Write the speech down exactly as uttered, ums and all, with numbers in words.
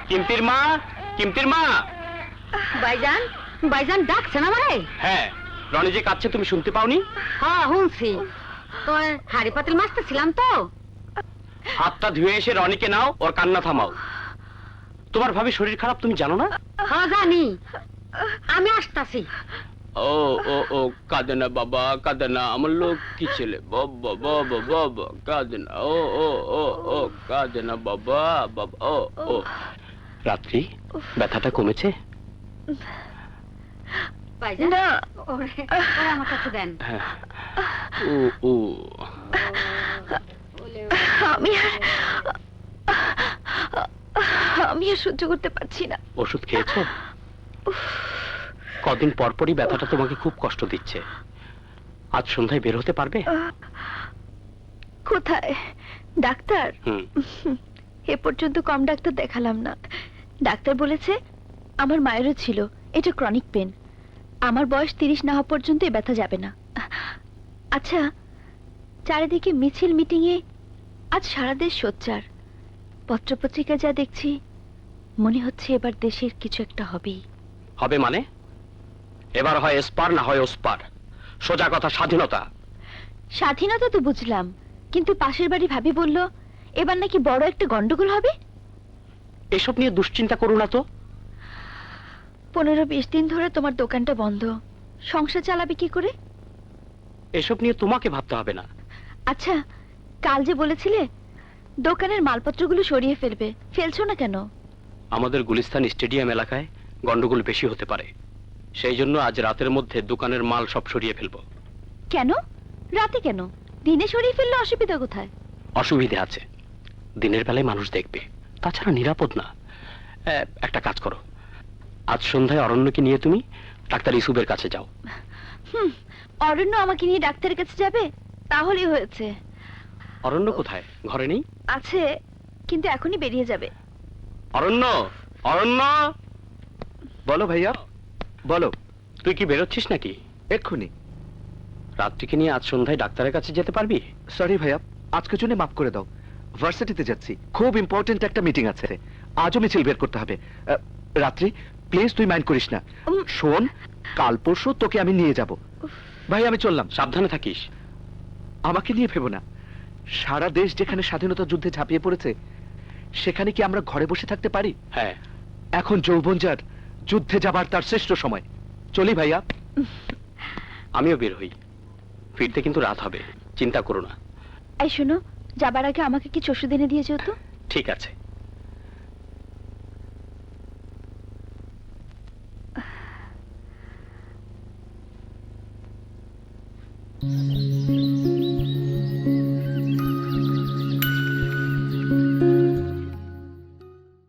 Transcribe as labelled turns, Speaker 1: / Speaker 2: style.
Speaker 1: কিমতির মা, কিমতির মা।
Speaker 2: ভাইজান, ভাইজান ডাকছেন আমারে?
Speaker 1: হ্যাঁ, রনি যে কাঁদছে তুমি শুনতে পাওনি?
Speaker 2: হ্যাঁ শুনছি, তো হাড়ি পাতিল মাছতে ছিলাম তো।
Speaker 1: হাতটা ধুয়ে এসে রনিকে নাও, ওর কান্না থামাও। তোমার ভাবি শরীর খারাপ তুমি জানো না?
Speaker 2: হ্যাঁ জানি, আমি আসতাছি।
Speaker 1: ও ও ও কাঁদে না বাবা, কাঁদে না, আমার লোক কি ছেলে, বাবা বাবা বাবা কাঁদে না, ও ও ও ও কাঁদে না বাবা বাবা, ও ও। রাত্রি ব্যথাটা কমেছে?
Speaker 2: ভাইজান না, ওরে ওরে আমার কাছে দেন।
Speaker 1: হ্যাঁ, ও ও
Speaker 3: আমি আর আমি আর সহ্য করতে পারছি না।
Speaker 1: ওষুধ খেয়েছো? কদিন পর পরই ব্যথাটা তোমাকে খুব কষ্ট দিচ্ছে। আজ সন্ধ্যায় বের হতে পারবে?
Speaker 3: কোথায় ডাক্তার?
Speaker 1: হুম।
Speaker 3: এ পর্যন্ত কম ডাক্তার দেখালাম না। ডাক্তার বলেছে আমার মায়েরও ছিল, এটা ক্রনিক পেন। আমার বয়স তিরিশ না হওয়া পর্যন্ত এ ব্যথা যাবে না। আচ্ছা, চারিদিকে মিছিল মিটিংয়ে আজ সারা দেশ সোচ্চার। পত্রপত্রিকা যা দেখছি, মনে হচ্ছে এবার দেশের কিছু একটা হবেই।
Speaker 1: হবে মানে? এবার হয় এসপার না হয় ওসপার। সোজা কথা, স্বাধীনতা।
Speaker 3: স্বাধীনতা তো বুঝলাম, কিন্তু পাশের বাড়ি ভাবি বলল এবার নাকি বড় একটা গন্ডগোল হবে।
Speaker 1: এসব নিয়ে দুশ্চিন্তা করো না তো।
Speaker 3: পনেরো বিশ দিন ধরে তোমার দোকানটা বন্ধ, সংসার চালাবে কি করে?
Speaker 1: এসব নিয়ে তোমাকে ভাবতে হবে না।
Speaker 3: আচ্ছা, কাল যে বলেছিলে দোকানের মালপত্রগুলো সরিয়ে ফেলবে, ফেলছো না কেন?
Speaker 1: আমাদের গুলিস্তান স্টেডিয়াম এলাকায় গন্ডগোল বেশি হতে পারে, সেই জন্য আজ রাতের মধ্যে দোকানের মাল সব সরিয়ে ফেলবো।
Speaker 3: কেন রাতে কেন? দিনে সরিয়ে ফেললে অসুবিধা কোথায়?
Speaker 1: অসুবিধে আছে, দিনের বেলায় মানুষ দেখবে, তাছাড়া নিরাপদ না। এ, একটা কাজ করো, আজ সন্ধ্যায় অরণ্যকে নিয়ে তুমি ডাক্তার ইসুবের কাছে যাও।
Speaker 3: হুম, অরণ্য আমাকে নিয়ে ডাক্তারের কাছে যাবে? তাহলেই হয়েছে।
Speaker 1: অরণ্য কোথায়? ঘরে নেই?
Speaker 3: আছে, কিন্তু এখনই বেরিয়ে যাবে।
Speaker 1: অরণ্য, অরণ্য।
Speaker 4: বলো ভাইয়া, বলো।
Speaker 1: তুই কি বেরোচ্ছিস নাকি?
Speaker 4: এক্ষুনি।
Speaker 1: রাত্রিকে নিয়ে আজ সন্ধ্যায় ডাক্তারের কাছে যেতে পারবি?
Speaker 4: সরি ভাইয়া, আজকের জন্য মাফ করে দাও। ভার্সিটিতে যাচ্ছি, খুব ইম্পর্টেন্ট একটা মিটিং আছে, আজও মিছিল বের করতে হবে। আহ, রাত্রি প্লিজ তুই মাইন্ড করিস না।
Speaker 3: উম,
Speaker 4: শোন, কাল পরশু তোকে আমি নিয়ে যাব। ভাই আমি চললাম।
Speaker 1: সাবধানে থাকিস।
Speaker 4: আমাকে নিয়ে ভেবো না, সারা দেশ যেখানে স্বাধীনতা যুদ্ধে ঝাঁপিয়ে পড়েছে, সেখানে কি আমরা ঘরে বসে থাকতে পারি?
Speaker 1: হ্যাঁ।
Speaker 4: এখন যৌবন যার, যুদ্ধে যাবার তার শ্রেষ্ঠ সময়। চলি ভাইয়া।
Speaker 1: আমিও বের হই, ফিরতে কিন্তু রাত হবে, চিন্তা করো না।
Speaker 3: এই শোনো, যাবার আগে আমাকে কিছু ওষুধ এনে দিয়ে যেও তো।
Speaker 1: ঠিক আছে।
Speaker 5: Mm-hmm.